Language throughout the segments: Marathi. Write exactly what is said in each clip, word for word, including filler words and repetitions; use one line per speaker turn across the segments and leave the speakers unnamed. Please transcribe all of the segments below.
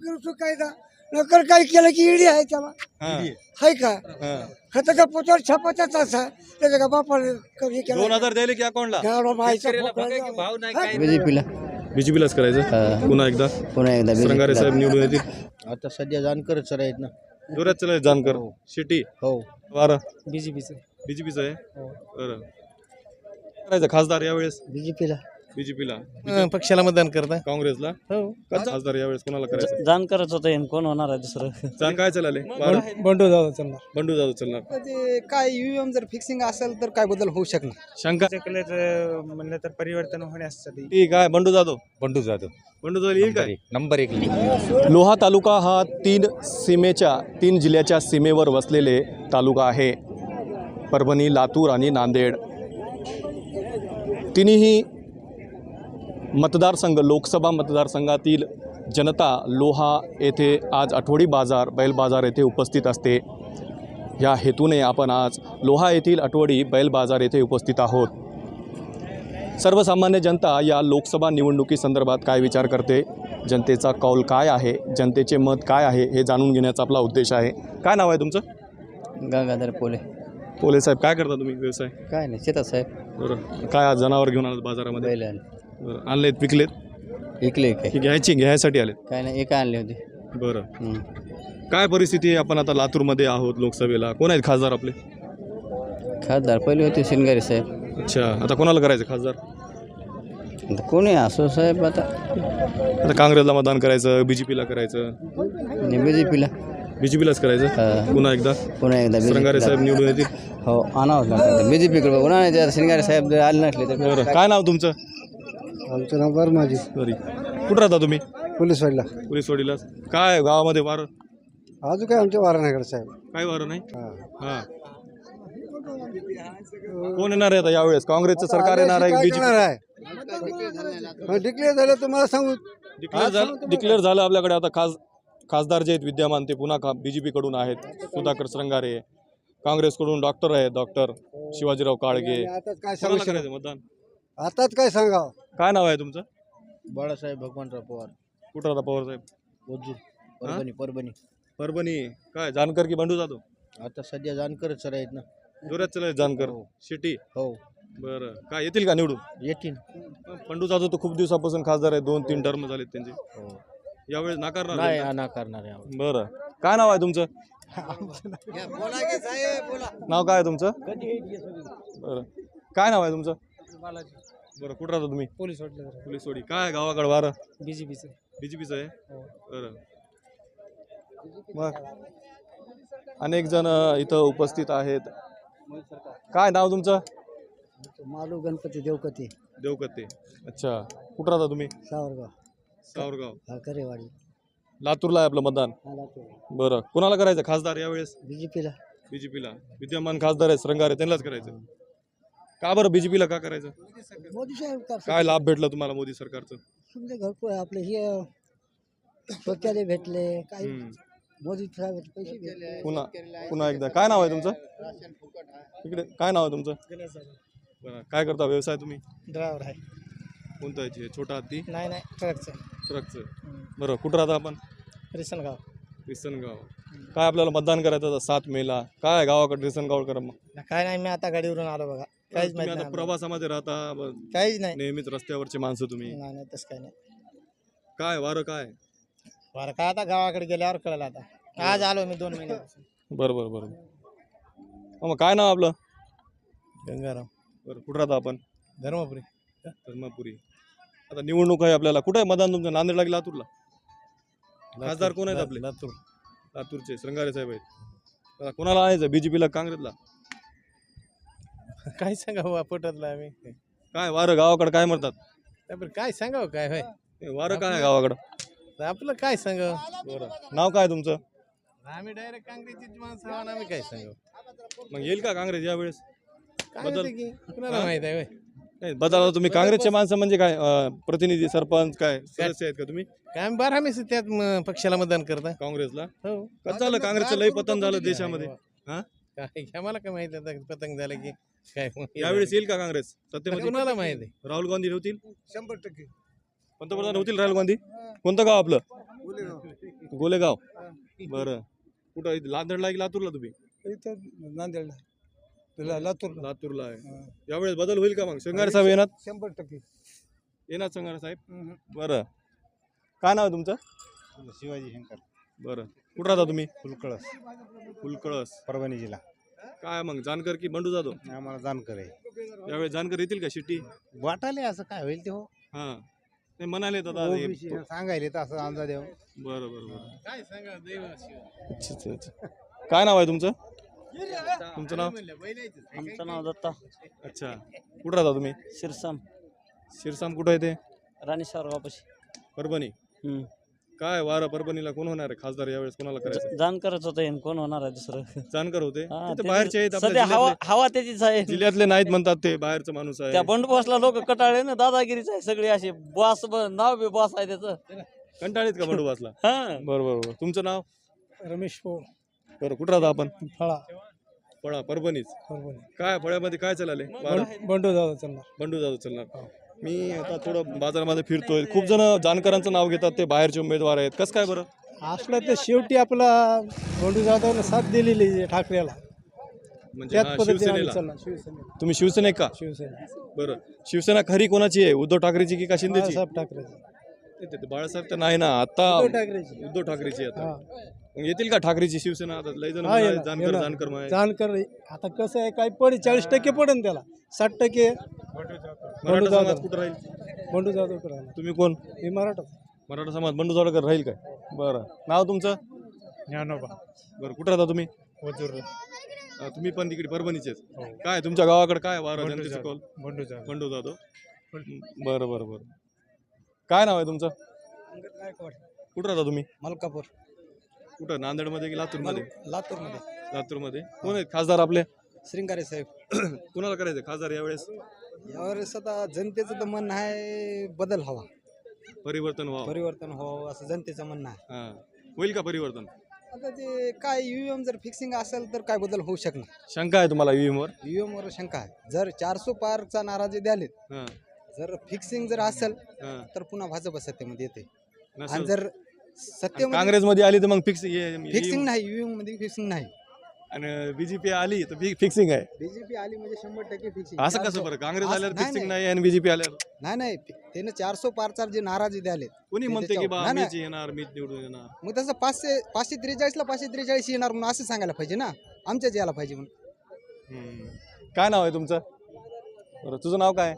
करू शकतो कायदा नकर काही केलं की ईडी आहे त्याला हाय का खताच्या पोचावर छापाचा तास आहे त्याच्या का बापाने हे केलं
दोन हजार द्यायले की अकाउंटला
गाडा मायचा
बीजेपीला
बीजेपीलाच करायचं पुन्हा एकदा
पुन्हा एकदा
श्रंगारे साहेब निवडून येतील
आता सध्या जानकरच आहेत ना
जोरात चला जानकर शिटी
हो
वारा
बीजेपीचं
बीजेपीचं आहे बरं करायचं खासदार यावेळेस
बीजेपीला
बीजेपीला
पक्षाला मतदान करता
काँग्रेसला खासदार यावेळेस कोणाला करायचं
जाण करत होतं कोण होणार आहे दुसरं
जाण काय चालले वारा
बंडू जाऊ चालणार
बंडू जाधव चालणार
ते काय ईव्हीएम जर फिक्सिंग असेल तर काय बदल होऊ शकणार
शंका
म्हणलं तर परिवर्तन होण्यासाठी
ठीक आहे बंडू जाधव
बंडू जाधव
बंडू जाधव येईल काय
नंबर एक
लोहा तालुका हा तीन सीमेच्या तीन जिल्ह्याच्या सीमेवर वसलेले तालुका आहे परभणी लातूर आणि नांदेड तिन्ही मतदारसंघ लोकसभा मतदारसंघातील जनता लोहा येथे आज आठवडी बाजार बैल बाजार येथे उपस्थित असते या हेतूने आपण आज लोहा येथील आठवडी बैल बाजार येथे उपस्थित आहोत सर्वसामान्य जनता या लोकसभा निवडणुकीसंदर्भात काय विचार करते जनतेचा कौल काय आहे जनतेचे मत काय आहे हे जाणून घेण्याचा आपला उद्देश आहे काय नाव आहे तुमचं
गंगाधर पोले
पोले साहेब काय करता तुम्ही व्यवसाय
काय नाही शेतात साहेब
बरं काय आज जनावर घेऊन आलात बाजारामध्ये
बैल
बरं आणलेत विकलेत
विकले काय
की घ्यायची घ्यायसाठी आलेत
काय नाही एका आणले होते
बरं काय परिस्थिती आहे आपण आता लातूरमध्ये आहोत लोकसभेला कोण आहेत खासदार आपले
खासदार पहिले होते शिनगारे साहेब
अच्छा आता कोणाला करायचं खासदार
आता कोणी असो साहेब आता
आता काँग्रेसला मतदान करायचं बीजेपीला करायचं
बीजेपीला
बीजेपीलाच करायचं पुन्हा एकदा
पुन्हा एकदा
श्रंगारे साहेब निवडून येतील
हो आणावंच लागतं बीजेपीकडे पुन्हा नाही शिनगारे साहेब जर आले नसले तर
बरं काय नाव तुमचं
आमचं नाव बरं माझी
सॉरी कुठं राहता तुम्ही
पोलीस वाडला
पोलीस वडीला काय गावामध्ये वारं
अजून काय आमच्या वाराणाकडे साहेब
काय वारं नाही हां कोण येणार आहे आता यावेळेस काँग्रेसचं सरकार येणार आहे बीजेपी
आहे डिक्लेअर झालं तुम्हाला सांगू
डिक्लेअर झालं डिक्लेअर झालं आपल्याकडे आता खास खासदार जे आहेत विद्यमान ते पुन्हा खा बी जे पीकडून आहेत सुधाकर श्रंगारे काँग्रेसकडून डॉक्टर आहेत डॉक्टर शिवाजीराव काळगे
आताच काय सांगू
कोणाला करायचं मतदान
आताच काय सांगावं
काय नाव आहे तुमचं
बाळासाहेब भगवानराव पवार
कुठं राहता पवार साहेब
ओजूर परभणी परभणी
परभणी काय जानकर की बंडू जातो
आता सध्या जानकरच आहेत ना
जोरात चला जानकर शिटी
हो
बरं काय येतील का निवडून
येतील
बंडू जाधव तर खूप दिवसापासून खासदार आहे दोन तीन टर्म झालेत त्यांचे यावेळेस नाकारणार
नाही
जनता?
नाकारणार आहे
बरं काय नाव आहे तुमचं नाव काय आहे तुमचं बरं काय नाव आहे तुमचं बरं कुठं राहता तुम्ही
पोलीस वाटलं
पोलीस वडी काय गावाकडे वारं
बीजेपीचं
बीजेपीचं आहे बरं मग अनेक जण इथं उपस्थित आहेत काय नाव तुमचं
मालू गणपती देवकती
देवकते अच्छा कुठं राहता तुम्ही
सावरगाव
सावरगाव
करेवाडी
लातूरला आहे आपलं मतदान बरं कोणाला करायचं खासदार यावेळेस
बीजेपीला
बीजेपीला विद्यमान खासदार आहे श्रंगारे त्यांनाच करायचं का बरं बीजेपीला का करायचं
मोदी साहेब
काय लाभ भेटला तुम्हाला मोदी सरकारचं
समजा घरपोच आपले हे स्वतःला भेटले काही
हम्म.
मोदी साहेब पैसे भेटले
पुन्हा पुन्हा एकदा काय नाव आहे तुमचं इकडे काय नाव आहे तुमचं बरं काय करता व्यवसाय तुम्ही
ड्रायव्हर आहे
कोणता आहे छोटा हत्ती
नाही नाही ट्रकचं
ट्रकचं बरं कुठं राहता आपण
रिसनगाव
रिसनगाव काय आपल्याला मतदान करायचं आता सात मेला काय गावाकडे रिसनगाव करा मग
काय नाही मी आता गाडीवरून आलो बघा काहीच
तुम्ही
माहिती
आता
नाही
प्रवासामध्ये राहता ब-
काहीच नाही
नेहमीच रस्त्यावरचे माणसं तुम्ही
नाही नाही तसं काही नाही
काय वारं काय
बरं का आता गावाकडे गेल्यावर कळलं आता आज आलो मी दोन महिन्यापासून
बरं बरं बरं हो, मग काय नाव आपलं
गंगाराम
बरं कुठं राहता आपण
धर्मपुरी
धर्मपुरी आता निवडणूक आहे आपल्याला कुठं आहे मतदान तुमचं नांदेडला की लातूरला खासदार कोण आहेत आपले
लातूर
लातूरचे श्रंगारे साहेब आहेत आता कोणाला आणायचं बीजेपीला काँग्रेसला
काय सांगावं पटतला आम्ही
काय वारं गावाकडे काय म्हणतात
त्यापर काय सांगावं काय होय
ए, वारं काय आहे गावाकडं
आपलं काय सांगावं
बरं नाव काय तुमचं
आम्ही डायरेक्ट काँग्रेसची माणसं आहोत आम्ही काय सांगावं
मग येईल का काँग्रेस यावेळेस
काय
बदल-
होतं की कुणाला माहित आहे होय
नाही बदला तुम्ही काँग्रेसचे माणसं म्हणजे काय अं, प्रतिनिधी सरपंच काय सदस्य आहेत का तुम्ही
काय आम्ही बारा महिने त्यात म, पक्षाला मतदान करता
काँग्रेसला
हो
कसं झालं काँग्रेसचं लय पतन झालं देशामध्ये हा
काय आम्हाला काय माहित आता पतंग झालं की काय
यावेळेस येईल का काँग्रेस सत्तेमध्ये
कुणाला माहित आहे
राहुल गांधी होतील
शंभर टक्के
पंतप्रधान होतील राहुल गांधी कोणतं गाव आपलं गोलेगाव बरं कुठं इथं लांदडला की लातूरला तुम्ही
इथं नांदेडला तुला लातूर
लातूरला आहे यावेळेस बदल होईल का मग संगारे साहेब येणार
शंभर टक्के
येणार संगारे साहेब बरं काय नाव आहे तुमचं
शिवाजी शंकर
बरं कुठं राहता तुम्ही
फुलकळस
फुलकळस
परभणी जिल्हा
काय मग जानकर की बंडू जाधव
आम्हाला जानकर आहे
यावेळेस जानकर येतील का शिट्टी
वाटाले असं काय होईल ते हो
हा नाही म्हणाले दादा हे-
सांगायले तर असं अंदाज येऊ
बरं बरं बरं काय सांगा अच्छा अच्छा अच्छा काय नाव आहे तुमचं तुमचं नाव
आमचं नाव दत्ता
अच्छा कुठं राहता तुम्ही
शिरसाम
शिरसाम कुठं आहे ते
राणी सारगावपाशी
परभणी
हम्म.
काय वारं परभणीला कोण होणार आहे खासदार यावेळेस कोणाला करायचं
जानकारच होतं हे, कोण होणार आहे दुसरं
जानकर होते
हा,
ते तर
त्याची-
बाहेरचे आहेत आपल्या
सध्या हवा
जिल्ह्यातले
हवा त्याचीच आहे
जिल्ह्यातले नाहीत म्हणतात ते बाहेरचा माणूस
त्या
आहे
बंडबॉसला लोक कटाळे ना दादागिरीच आहे सगळे असे बॉस नाव बी बॉस आहे त्याचं
कंटाळीत का बंडोबासला
हा
बरं बरं बरं तुमचं नाव
रमेश पोळ
बरं कुठं राहता आपण
फळा
फळा परभणीच
परभणी
काय फळ्यामध्ये काय चालले
बंडू दादा चालणार
बंडू जाधव चालणार मी आता थोडं बाजारामध्ये फिरतोय खूप जण जानकरांचं नाव घेतात ते बाहेरचे उमेदवार आहेत कसं काय बरं
असलं तर शेवटी आपला बंडू जाधवनं साथ दिलेली आहे ठाकरेला
म्हणजे
त्याच
हा,
पद्धतीने आम्ही
शिवसेनेला
चालणार शिवसेना
तुम्ही शिवसेनेक का
शिवसेना
बरं शिवसेना खरी कोणाची आहे उद्धव ठाकरेची की का शिंदेची
बाळासाहेब ठाकरेची
ते- ते- ते बाळासाहेब तर नाही ना आता
उद्धव ठाकरेची
उद्धव ठाकरेची आता
हा
मग येतील का ठाकरेची शिवसेना आता लय जण
हा,
म्हणाले,
येणार,
जानकर
येणार.
जानकर म्हणाले.
जानकर आता कसं आहे काय पडेल चाळीस टक्के पडेल त्याला साठ टक्के
मराठा
जाधव.
समाज कुठं राहील
बंडू जाधव करायला
तुम्ही कोण
हे मराठा
मराठा समाज बंडू जावळकर राहील काय बरं नाव तुमचं
ज्ञानोबा
बरं कुठं राहता तुम्ही अं, तुम्ही पण तिकडे परभणीचेच काय तुमच्या गावाकडे काय वारं जनतेचं कौल
बंडू जाधव
बंडू जाधव बरं बरं बरं काय नाव आहे तुमचं कुठं राहता तुम्ही
मलकापूर
कुठं नांदेडमध्ये की लातूरमध्ये
लातूरमध्ये
लातूरमध्ये कोण आहेत खासदार आपले
श्रींगारे साहेब
कुणाला करायचं खासदार यावेळेस
यावेळेस आता जनतेचं तर म्हणणं आहे बदल हवा
परिवर्तन व्हावं
परिवर्तन व्हावं असं जनतेचं म्हणणं आहे
हां होईल का परिवर्तन
आता ते काय ईव्हीएम जर फिक्सिंग असेल तर काय बदल होऊ शकणार
शंका आहे तुम्हाला ईव्हीएम वर
ईव्हीएम वर शंका आहे जर चारसो पारचा नाराजी द्यालेत
हां
जर फिक्सिंग जर असेल
हां
तर पुन्हा भाजप सत्तेमध्ये येते आणि
नसेल.
जर सत्तेमध्ये
काँग्रेसमध्ये आली तर मग फिक्स
फिक्सिंग नाही ईव्हीएम मध्ये फिक्सिंग नाही
आणि बीजेपी आली तर फिक्सिंग आहे
बीजेपी आली म्हणजे शंभर टक्के फिक्सिंग
असं कसं बरं काँग्रेस
असं-
आल्यावर
नाही,
फिक्सिंग
नाही.
नाही आणि बीजेपी आल्यावर
नाही नाही त्याने चारसो पारचा जे नाराजी द्यालेत
कोणी
ते
म्हणते की
त्याच्यावर-
बा
नाही,
मीच येणार मीच निवडून येणार
मग तसं पाचशे पाचशे त्रेचाळीसला पाचशे त्रेचाळीस येणार म्हणून असं सांगायला पाहिजे ना आमच्याच यायला पाहिजे म्हणून
हम्म. काय नाव आहे तुमचं बरं तुझं नाव काय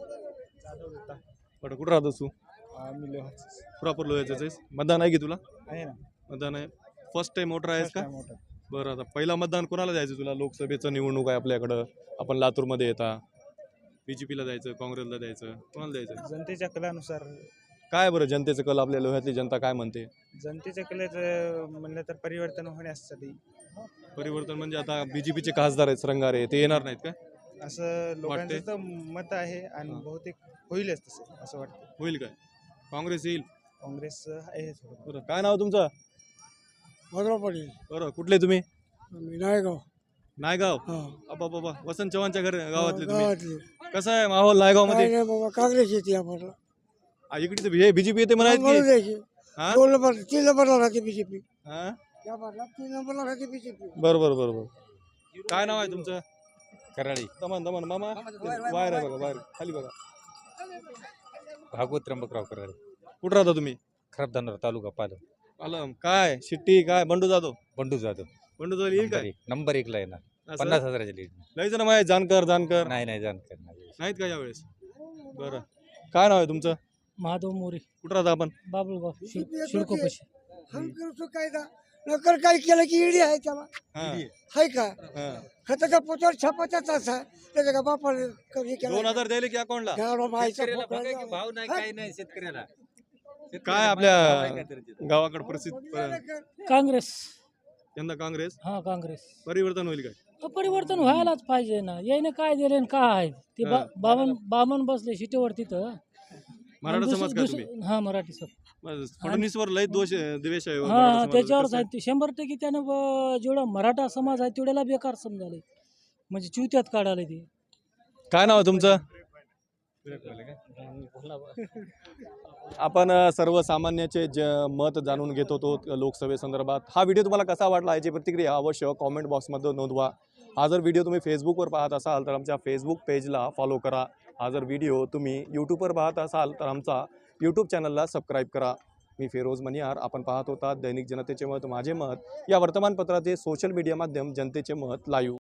बरं कुठं राहतोस तू प्रॉपर लोह्याचंच आहेस मतदान आहे की तुला
आहे ना
मतदान आहे फर्स्ट टाइम वोटर आहेस का बरं आता पहिला मतदान कोणाला द्यायचं तुला लोकसभेचं निवडणूक आहे आपल्याकडं आपण लातूरमध्ये येता बीजेपीला द्यायचं काँग्रेसला द्यायचं कोणाला द्यायचं
जनतेच्या कलानुसार
काय बरं जनतेचं कल आपल्या लोह्यातली जनता काय म्हणते
जनतेच्या कलेचं म्हणलं तर परिवर्तन होण्यासाठी
परिवर्तन म्हणजे आता बीजेपीचे खासदार आहेत रंगारे ते येणार नाहीत का
असं लोकांचं
वाटते?
तर मत आहे आणि
हां.
बहुतेक होईलच तसं असं वाटतं
होईल काय काँग्रेस येईल
काँग्रेस आहे थोडं
बरं काय नाव तुमचं
भद्रा पाटील
बरं कुठले तुम्ही
नायगाव
नायगाव
हा
अबा बाबा वसंत चव्हाणच्या घर गावातले तुम्ही
गावातले
कसं आहे माहोल नायगाव
काय
मध्ये
नाही बाबा काँग्रेस येते आम्हाला
इकडे तर हे बीजेपी येते
म्हणून
म्हणायचं की
द्यायची
हा?
दोन नंबर तीन नंबरला राहते बीजेपी
हा?
त्या बाजूला तीन नंबरला राहते बीजेपी
बरं बरं बरं बरं काय नाव आहे तुमचं
कराळी
दमन दमन मामा बाहेर आहे बघा बाहेर खाली बघा
भागवत त्र्यंबकराव कराळी
कुठं राहता तुम्ही
खराबदानवर तालुका पालम
आलं काय शिट्टी काय बंडू जाधव
बंडू जाधव
बंडू जाधव येईल
नंबर
काय
एक नंबर एकला येणार
असं?
पन्नास हजाराच्या लीड
लय जण माहिती जानकर जानकर
नाही नाही जानकर नाही
नाहीत का यावेळेस बरं काय नाव आहे तुमचं
महादेव मोरे
कुठं राहता आपण
बाबुळगाव
BJP
शिडकोपाशी
हम करतो कायदा नकर काय केलं की ईडी आहे त्याला
हा
हाय का
हा
खतं का पोचावर छापाचाच असा त्याच्या का बापाने हे केलं
दोन हजार द्यायले की अकाउंटला
गाडो मायचा फोटो
भाव नाही काही नाही शेतकऱ्याला
काय आपल्या गावाकडे प्रसिद्ध प-
काँग्रेस
यंदा काँग्रेस
हा काँग्रेस
परिवर्तन होईल काय
तर परिवर्तन व्हायलाच पाहिजे ना याने काय दिले आणि काय आहे ते बा-
हा.
बामण बामण बसले शिटेवर तिथं
मराठा
आणि
समाज
दुस-
का
दुस-
तुम्ही
हा मराठी सब
बस, फडणवीसवर लय दोष द्वेष आहे
हा
मराठा समाजाचा.
त्याच्यावरच
कसं?
आहे ते शंभर टक्के त्यानं ब- जेवढा मराठा समाज आहे तेवढ्याला बेकार समजाले म्हणजे चिवत्यात काढाले ते
काय नाव आहे तुमचं आपण अ, सर्वसामान्याचे ज मत जाणून घेत होतो लोकसभेसंदर्भात. हा व्हिडिओ तुम्हाला कसा वाटला याची प्रतिक्रिया अवश्य कॉमेंट बॉक्समध्ये नोंदवा. हा जर व्हिडिओ तुम्ही फेसबुकवर पाहत असाल तर आमच्या फेसबुक पेजला फॉलो करा. हा जर व्हिडिओ तुम्ही यूट्यूबवर पाहत असाल तर आमचा यूट्यूब चॅनलला सबस्क्राईब करा. मी फिरोज मनियार. आपण पाहत होता दैनिक जनतेचे मत माझे मत या वर्तमानपत्राचे सोशल मीडिया माध्यम जनतेचे मत लाईव्ह.